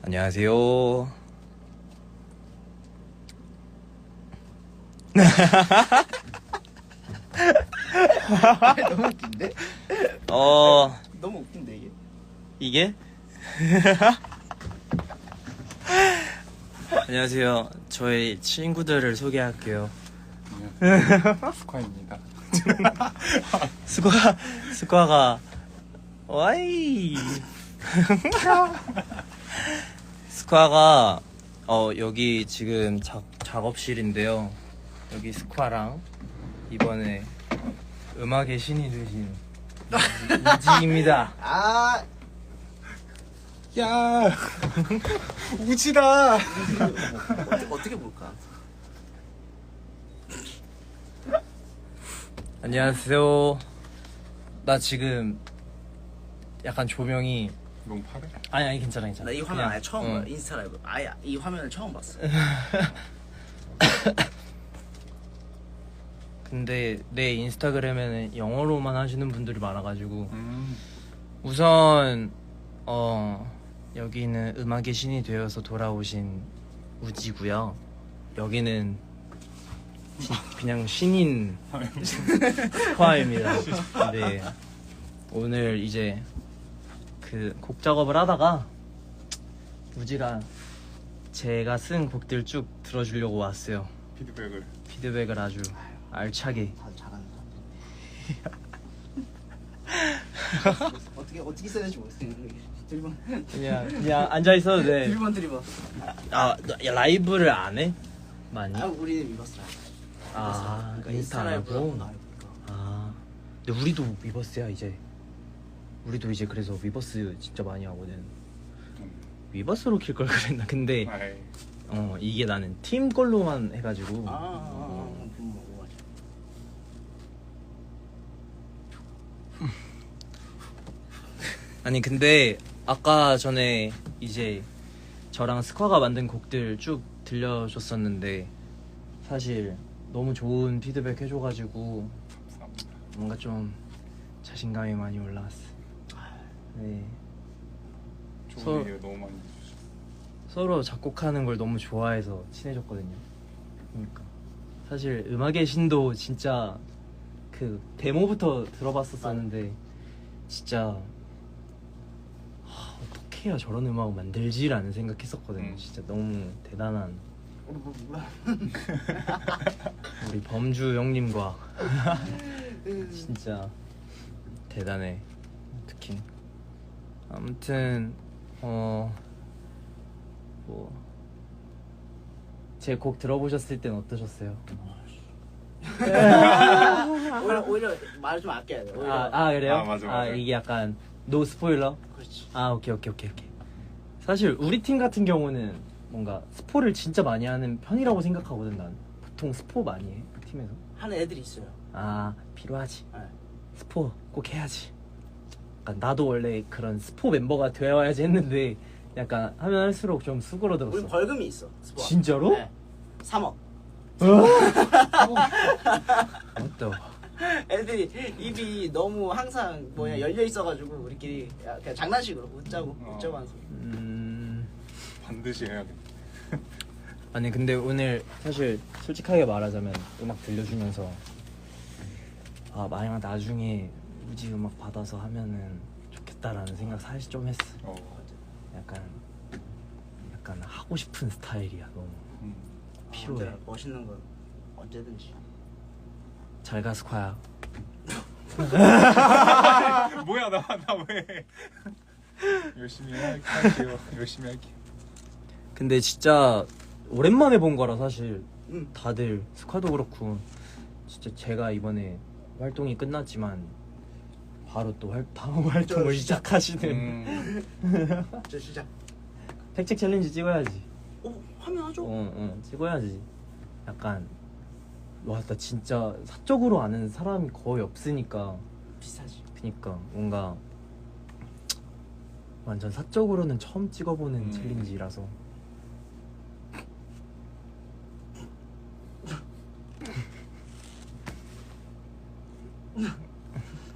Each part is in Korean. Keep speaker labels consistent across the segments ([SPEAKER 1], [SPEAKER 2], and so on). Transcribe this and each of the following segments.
[SPEAKER 1] 안녕하세요.
[SPEAKER 2] 너무 웃긴데? 너무 웃긴데 이게?
[SPEAKER 1] 안녕하세요. 저희 친구들을 소개할게요.
[SPEAKER 3] 스ኳ입니다.
[SPEAKER 1] 스과가 와이. 스과가 여기 지금 작업실인데요. 여기 스과랑 이번에 음악의 신이 되신 우지입니다.
[SPEAKER 2] 아,
[SPEAKER 3] 야, 우지다.
[SPEAKER 2] 어떻게 볼까?
[SPEAKER 1] 안녕하세요. 나 지금 약간 조명이
[SPEAKER 3] 너무 파래?
[SPEAKER 1] 아니 괜찮아.
[SPEAKER 2] 나 이 화면
[SPEAKER 1] 그냥,
[SPEAKER 2] 아예 처음 봐. 인스타 라이브 아예 이 화면을 처음 봤어.
[SPEAKER 1] 근데 내 인스타그램에는 영어로만 하시는 분들이 많아가지고 우선 여기는 음악의 신이 되어서 돌아오신 우지고요. 여기는 그냥 신인 스파입니다. 네. 오늘 이제 그 곡 작업을 하다가 우지랑 제가 쓴 곡들 쭉 들어주려고 왔어요. 피드백을 아주 알차게.
[SPEAKER 2] 다 잘하는 사람. 어떻게 써야 될지 모르겠어. 드리번.
[SPEAKER 1] 그냥 앉아 있어도 돼.
[SPEAKER 2] 드리번.
[SPEAKER 1] 아, 라이브를 안 해? 많이?
[SPEAKER 2] 아, 우리는 위버스 라이브.
[SPEAKER 1] 아,
[SPEAKER 2] 그러니까
[SPEAKER 1] 인스타 안
[SPEAKER 2] 라이브로
[SPEAKER 1] 하고?
[SPEAKER 2] 나오니까.
[SPEAKER 1] 아, 근데 우리도 위버스야 이제. 우리도 이제 그래서 위버스 진짜 많이 하거든. 위버스로 킬 걸 그랬나? 근데 이게 나는 팀 걸로만 해가지고.
[SPEAKER 2] 뭐
[SPEAKER 1] 아니 근데 아까 전에 이제 저랑 스쿼가 만든 곡들 쭉 들려줬었는데 사실 너무 좋은 피드백 해줘가지고 뭔가 좀 자신감이 많이 올라왔어. 네.
[SPEAKER 3] 좋은 얘기를 너무 많이 해주시고
[SPEAKER 1] 서로 작곡하는 걸 너무 좋아해서 친해졌거든요. 그러니까 사실 음악의 신도 진짜 그 데모부터 들어봤었었는데 진짜 어떻게 해야 저런 음악을 만들지라는 생각했었거든요. 진짜 너무 대단한 우리 범주 형님과 진짜 대단해. 특히 아무튼 뭐 제 곡 들어보셨을 땐 어떠셨어요?
[SPEAKER 2] 오히려 말을 좀 아껴야 돼.
[SPEAKER 1] 그래요?
[SPEAKER 3] 아, 맞아.
[SPEAKER 1] 이게 약간 노 스포일러?
[SPEAKER 2] 그렇지.
[SPEAKER 1] 오케이. 사실 우리 팀 같은 경우는 뭔가 스포를 진짜 많이 하는 편이라고 생각하거든. 난 보통 스포 많이 해 팀에서.
[SPEAKER 2] 하는 애들이 있어요.
[SPEAKER 1] 필요하지.
[SPEAKER 2] 네.
[SPEAKER 1] 스포 꼭 해야지. 약간 나도 원래 그런 스포 멤버가 되어야지 했는데 약간 하면 할수록 좀 수그러들었어.
[SPEAKER 2] 우리 벌금이 있어. 스포.
[SPEAKER 1] 진짜로?
[SPEAKER 2] 네. 3억.
[SPEAKER 1] 맞다.
[SPEAKER 2] 애들이 입이 너무 항상 열려 있어가지고 우리끼리 그냥 장난식으로 웃자고 하는 소리.
[SPEAKER 3] 반드시 해야겠다.
[SPEAKER 1] 아니 근데 오늘 사실 솔직하게 말하자면 음악 들려주면서 만약 나중에 우지 음악 받아서 하면은 좋겠다라는 생각 사실 좀 했어. 약간 하고 싶은 스타일이야. 너무 필요해.
[SPEAKER 2] 멋있는 건 언제든지.
[SPEAKER 1] 잘 가 스쿼야.
[SPEAKER 3] 뭐야 나 왜? 열심히 할게요. 열심히 할게요.
[SPEAKER 1] 근데 진짜 오랜만에 본 거라 사실 다들 스쿼도 그렇고 진짜 제가 이번에 활동이 끝났지만 바로 또 다음 활동을 시작하시는.
[SPEAKER 2] 저 시작.
[SPEAKER 1] 팩책 챌린지 찍어야지.
[SPEAKER 2] 화면 하죠.
[SPEAKER 1] 찍어야지. 약간 나 진짜 사적으로 아는 사람이 거의 없으니까.
[SPEAKER 2] 비슷하지.
[SPEAKER 1] 그니까 뭔가 완전 사적으로는 처음 찍어보는 챌린지라서.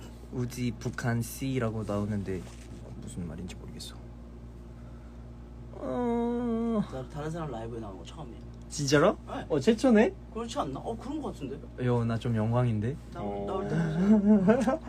[SPEAKER 1] 우지 북한 C라고 나오는데 무슨 말인지 모르겠어.
[SPEAKER 2] 나 다른 사람 라이브에 나온 거 처음이야.
[SPEAKER 1] 진짜로?
[SPEAKER 2] 네.
[SPEAKER 1] 최초네?
[SPEAKER 2] 그렇지 않나? 그런 거 같은데?
[SPEAKER 1] 나 좀 영광인데.
[SPEAKER 2] 나올 때마다.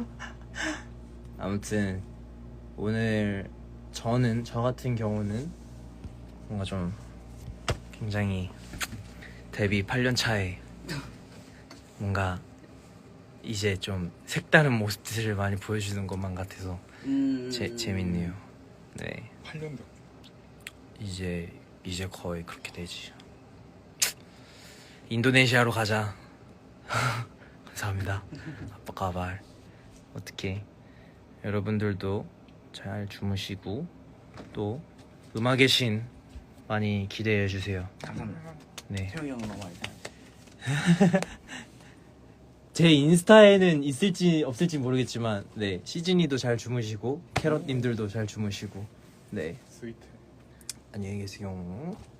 [SPEAKER 1] 아무튼 오늘 저 같은 경우는 뭔가 좀 굉장히 데뷔 8년 차에 뭔가 이제 좀 색다른 모습들을 많이 보여주는 것만 같아서 재밌네요. 네,
[SPEAKER 3] 8년 됐.
[SPEAKER 1] 이제 거의 그렇게 되지. 인도네시아로 가자. 감사합니다. 아빠 가발. 어떻게 여러분들도 잘 주무시고 또 음악의 신 많이 기대해 주세요.
[SPEAKER 2] 감사합니다.
[SPEAKER 1] 네.
[SPEAKER 2] 태용이 형은 너무 많이 사.
[SPEAKER 1] 제 인스타에는 있을지 없을지 모르겠지만 네, 시즈니도 잘 주무시고 캐럿님들도 잘 주무시고 네,
[SPEAKER 3] 스위트.
[SPEAKER 1] 안녕히 계세요.